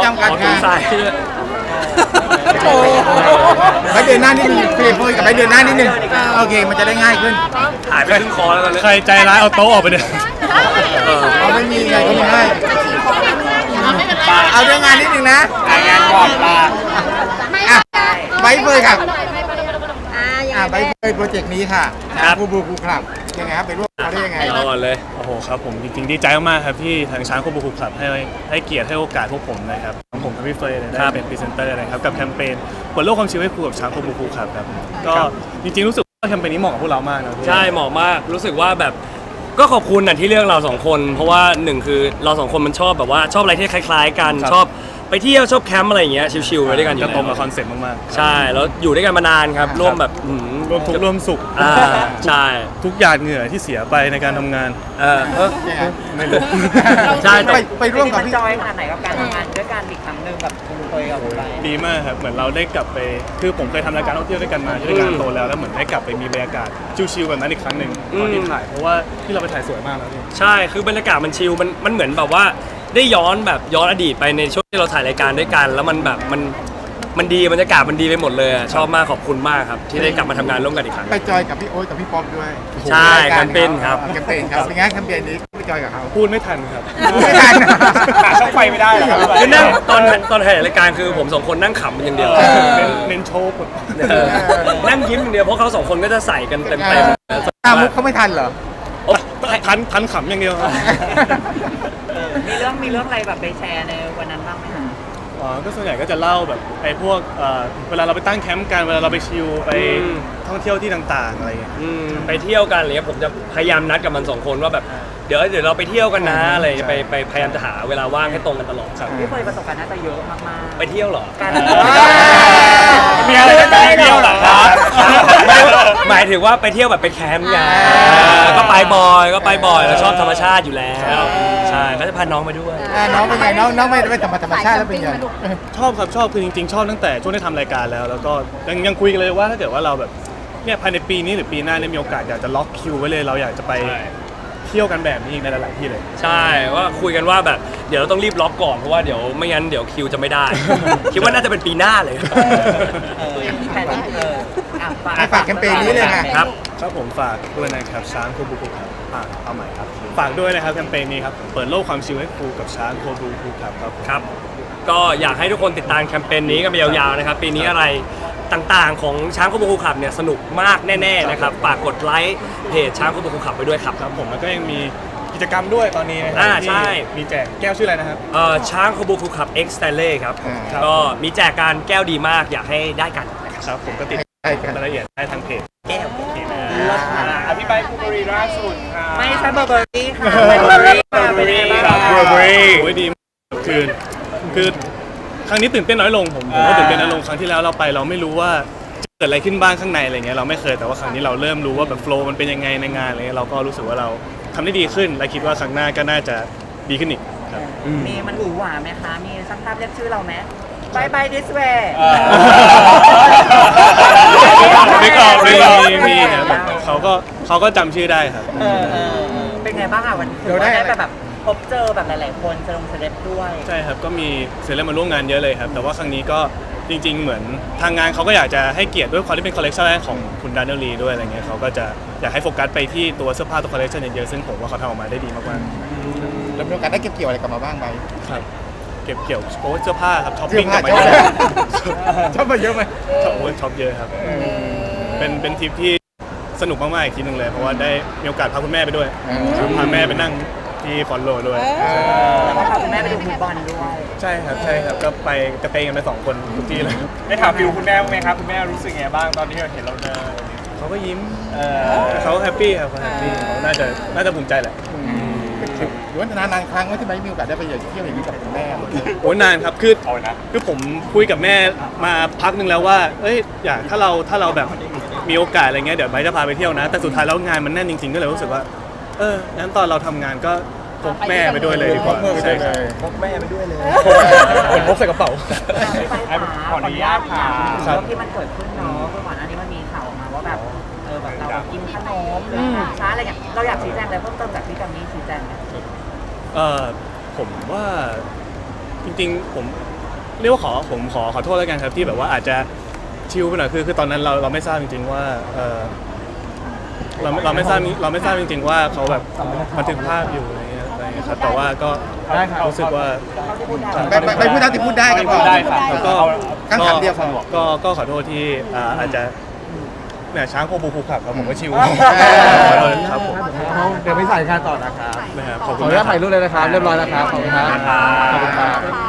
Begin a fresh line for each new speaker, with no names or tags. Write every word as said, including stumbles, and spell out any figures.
ำกัด
ขอ
งาน
สาย
ไปเดือนหน้านิดนึงเฟรมโฟยกับไปเดือนหน้านิดนึงโอเคมันจะได้ง่ายขึ้น
หายไปครึ่งคอแล้วตอนนี้
ใครใจร้ายเอาโต๊ะออกไปเลย
เอาไม่มีไงก็ไม่ให้เอาเรื่องงานนิดนึงนะงานก่อนลาอ่ะไปเฟยครับอ่ะไปเฟยโปรเจกต์นี้ค่ะบูบูบูครับยังไงครับไปร่วมเขาได้ยังไง
เอาก่อนเลย
โอ้โหครับผมจริงๆดีใจมากๆครับที่ทางช้างโคบูคุคลับให้ให้เกียรติให้โอกาสพวกผมนะครับของผมกับพี่เฟยเนี่ยได้เป็นพรีเซนเตอร์นะครับกับแคมเปญเปิดโลกความชิลให้ครูกับช้างโคบูคุคลับครับก็จริงๆรู้สึกว่าแคมเปญนี้เหมาะกับพวกเรามากนะพี่
ใช่เหมาะมากรู้สึกว่าแบบก็ขอบคุณนะที่เลือกเราสองคน เพราะว่าหนึ่งคือเราสองคนมันชอบแบบว่าชอบอะไรที่คล้ายๆกันชอบไปเที่ยวชอบแคมป์อะไรอย่างเงี้ยชิลๆไปด้วยกันอยู่
จะ
แล้ว
ตรงกับคอนเซ็ปต์มากๆ
ใช่แล้วอยู่ด้วยกันมานานครับร่วมแบบอืม
ร่วมทุกข์ร่วมสุข
อ่าใช่
ทุกหยาดเหงื่อที่เสียไปในการทำงาน
เออเออ
ยังไง
ไม่รู้
ใช่
ไปไปร่วมกับพี่
จอยขนาดไหนกับการทำงานด้วยกันอีกครั้งหนึ่งกับคุณเคยกับคุณไป
ดีมากครับเหมือนเราได้กลับไปคือผมเคยทำรายการท่องเที่ยวด้วยกันมาที่รายการโตแล้วแล้วเหมือนได้กลับไปมีบรรยากาศชิลๆแบบนั้นอีกครั้งหนึ่งตอนที่ถ่ายเพราะว่าที่เราไปถ่ายสวยมากแล้วพี่
ใช่คือบรรยากาศมันชิลมันมันเหมือนแบบว่าได้ย้อนแบบย้อนอดีตไปในช่วงที่เราถ่ายรายการด้วยกัน แล้วมันแบบมันมันดีบรรยากาศมันดีไปหมดเลยอะชอบมากขอบคุณมากครับที่ได้กลับมาทำงานร่วมกันอีกครั้ง
ไปจอยกับพี่โอ๊ตกับพี่ป๊อปด้วย
ใช่แคมเปญครับ
แคมเปญครับเป็นไงแคมเปญนี้ไปจอยกับเขา
พูดไม่ทันครับ
ไม่ทัน
ช่องไฟไม่ได้หรอครับ
คือนั่งตอนตอนถ่ายรายการคือผมสองคนนั่งขำมันอย่างเดียว
เออ
เน้นเน้นโชว์หมด
เออนั่งยิ้มอย่างเดียวเพราะเขาสองคนก็จะใส่กันเต็ม
ตามมุกเขาไม่ทันเหรอ
ๆโอ๊ย
ทันทันขำอย่างเดียวครับ
มีเรื่องมีเรื่องอะไรแบบไปแชร์ในวันนั้นบ้างไหมคะ
อ๋อก็ส่วนใหญ่ก็จะเล่าแบบไอ้พวกเอ่อเวลาเราไปตั้งแคมป์กันเวลาเราไปชิลไปท่องเที่ยวที่ต่างๆอะไรอย่างเงี้ย
อืมไปเที่ยวกันอะไรเงี้ยผมจะพยายามนัดกับมันสองคนว่าแบบเดี๋ยวเดี๋ยวเราไปเที่ยวกันนะอะไรไปไปพยายามจะหาเวลาว่างให้ตรงกันตลอด
ครับ
พี่เคยประสบการณ์น่าจะเยอะมากๆ
ไปเที่ยวเหรอ
การ
มีอะไรจะไปเที่ยวเหรอครับ
หมายถึงว่าไปเที่ยวแบบไปแคมป์ไงก็ไปบ่อยก็ไปบ่อยเราชอบธรรมชาติอยู่แล้วใช่ก็จะพาน้องไปด้วย
อ่าน้องเป็นไงน้องน้องไม่ไม่ธรรมธรรมชาติแล้วเป็นไง
ชอบครับชอบคือจริงๆ ชอบตั้งแต่ช่วงที่ทำรายการแล้ว แล้วก็ยังยังคุยกันเลยว่าถ้าเกิดว่าเราแบบเนี่ยภายในปีนี้หรือปีหน้าเนี่ยมีโอกาสอยากจะล็อกคิวไว้เลยเราอยากจะไปเที่ยวกันแบบนี้อีกในหลายๆที่เลย
ใช่ว่าคุยกันว่าแบบเดี๋ยวเราต้องรีบล็อกก่อนเพราะว่าเดี๋ยวไม่งั้นเดี๋ยวคิวจะไม่ได้ คิดว่าน่าจะเป็นปีหน้าเลย
เออแผนเอออ่ะ
ให้ฝากแคมเปญนี้เลยค่ะ
ครับ
ครับผมฝากด้วยนะครับช้างโคบูคุครับอ่าเอาใหม่ครับฝากด้วยนะครับแคมเปญนี้ครับเปิดโลกความชิลให้ครูกับช้างโคบูคุครับครับผม
ครับ ก็อยากให้ทุกคนติดตามแคมเปญนี้กันไปยาวๆนะครับปีนี้อะไรต่างๆของช้างโคบูคุขับเนี่ยสนุกมากแน่ๆนะครับฝากกดไลค์เพจช้างโคบูคุขับไปด้วยครับ
ครับผมแล้วก็ยังมีกิจกรรมด้วยตอนนี้นะครั
อ่า
ที่
ใช่
มีแจกแก้วชื่ออะไรนะครับ
เอ่อช้างโคบูคุขับ X Stanley ครับ
อ่า
ก็มีแจกการแก้วดีมากอยากให้ได้กัน
ครับผมก็ติด
ใช่กัน
รายละเอียดได้ทางเพจ
แก้ว
โอเคนะ
อภิบายคูเบอรี่ล่าสุดค่ะไม่ใช่เบอร์เบอรี่ค่ะเบอร์เบอรี่ค่ะเป็นไงบ้าง
เบอร์เบอรี่
โอ้ยดีมากคือคือครั้งนี้ตื่นเต้นน้อยลงผมผมก็ตื่นเต้นน้อยลงครั้งที่แล้วเราไปเราไม่รู้ว่าจะเกิดอะไรขึ้นบ้างข้างในอะไรเงี้ยเราไม่เคยแต่ว่าครั้งนี้เราเริ่มรู้ว่าแบบโฟล์มันเป็นยังไงในงานอะไรเงี้ยเราก็รู้สึกว่าเราทำได้ดีขึ้นและคิดว่าครั้งหน้าก็น่าจะดีขึ้นอีกครับ
มีมันหวือหวาไหมคะ มีช่างภาพเรียกชื่อเราไหมบายบายดิสเวย์
ไม่ก็มีมีมีครับเขาก็เขาก็จำชื่อได้ครับ
เป็นไงบ้างอ่ะวันถือว่าได้แบบพบเจอแบบหลายๆคนเซเลบเซเลบด้วย
ใช่ครับก็มีเซเลบมาร่วมงานเยอะเลยครับแต่ว่าครั้งนี้ก็จริง ๆ เหมือนทางงานเขาก็อยากจะให้เกียรติด้วยความที่เป็นคอลเลคชันแรกของคุณดานเนลลีด้วยอะไรเงี้ยเขาก็จะอยากให้โฟกัสไปที่ตัวเสื้อผ้าตัวคอลเลคชันเยอะๆซึ่งผมว่าเขาทำออกมาได้ดีมาก
แล้วมีโอกาสได้เก็บเกี่ยวอะไรกลับมาบ้างไหม
ๆครับเก็บเกี่ยวโอ้เสื้อผ้าครับช้อป
เสื้อ
ปิ้งก
ผ้า
ลับมา
ช
เย
อบ
อะ
ชอบมาเยอะไหม
ชอบโอ้ยช็อปเยอะครับเป็นเป็นทริปที่สนุกมากๆอีกทีหนึ่งเลยเพราะว่าได้มีโอกาสพาคุณแม่ไปด้วยครับพาแม่ไปนั่งที่ฟอนโลด้วย
แล้วก็พาคุณแม่ไปดูฟุตบอลด้วย
ใช่ครับใช่ครับก็ไปกระเตงกันไปสองคนทุกที่เลย
ได้ถามฟิวคุณแม่บ้างไหมครับคุณแม่รู้สึกไงบ้างตอนที่เห็นเราเดิน
เขาก็ยิ้มเขาแฮปปี้ครับเขาแฮปปี้เขาน่าจะน่าจะภูมิใจแหละ
หรือว่านานๆครั้งว่าที่ไม่มีโอกาสได้ไปเที่ยวอย่างนี้กับคุณแม่
โอ้ยนานครับคือ
เอานะ
คือผมคุยกับแม่มาพักหนึงแล้วว่าเอ้ยอยากถ้าเราถ้าเราแบบมีโอกาสอะไรเงี้ยเดี๋ยวไบร์ทจะพาไปเที่ยวนะ แต่สุดท้ายแล้วงานมันแน่นจริงๆก็เลยรู้สึกว่าเอองั้นตอนเราทำงานก็พกแม่ไปด้วยเลยดีกว่าใช่ครับ
พกแม่ไปด้วยเลย
เหมือนพกใส่กระเป๋า
ไปขา
ขออนุญาตค่ะ
ครับ
ที่มันเกิดขึ้นเนาะคือก่อนหน้านี้มันมีข่าวออกมาว่าแบบเออแบบเรากินขนมหรืออาหารช้าอะไรเงี้ยเราอยากชี้แจงอะไรเพิ่มเติมจากที่จำนี้ชี้แจงไหม
เออผมว่าจริงๆผมเรียกว่าขอผมขอขอโทษแล้วกันครับที่แบบว่าอาจจะชิลไปหน่อยคือคือตอนนั้นเราเราไม่ทราบจริงๆว่าเออเราเราไม่ทราบเราไม่ทราบจริงๆว่าเขาแบบบันทึกภาพอยู่อะไรเงี้ยอะไรเงี้ยครับแต่ว่าก็รู้สึกว่า
ไปไปไปพูดเท่าที่พูดได้ก็พอ
ได้ครับ
แล้วก็
คำถามเดียวพอ
ก็ก็ขอโทษที่อ่าอาจจะเนี่ยช้างโคบูคูขับครับผมก็ชิว
เออ
ขอโทษครับผม
เดี๋ยวไปใส่การต่อนะครับ
นะครับขอบ
ข
คุ
อ
ณ
อนุญาต
มาก
ถ่ายรูปเลยนะครับ เรียบร้อยแล้วครับ ขอบคุณครับ ขอบคุณครับ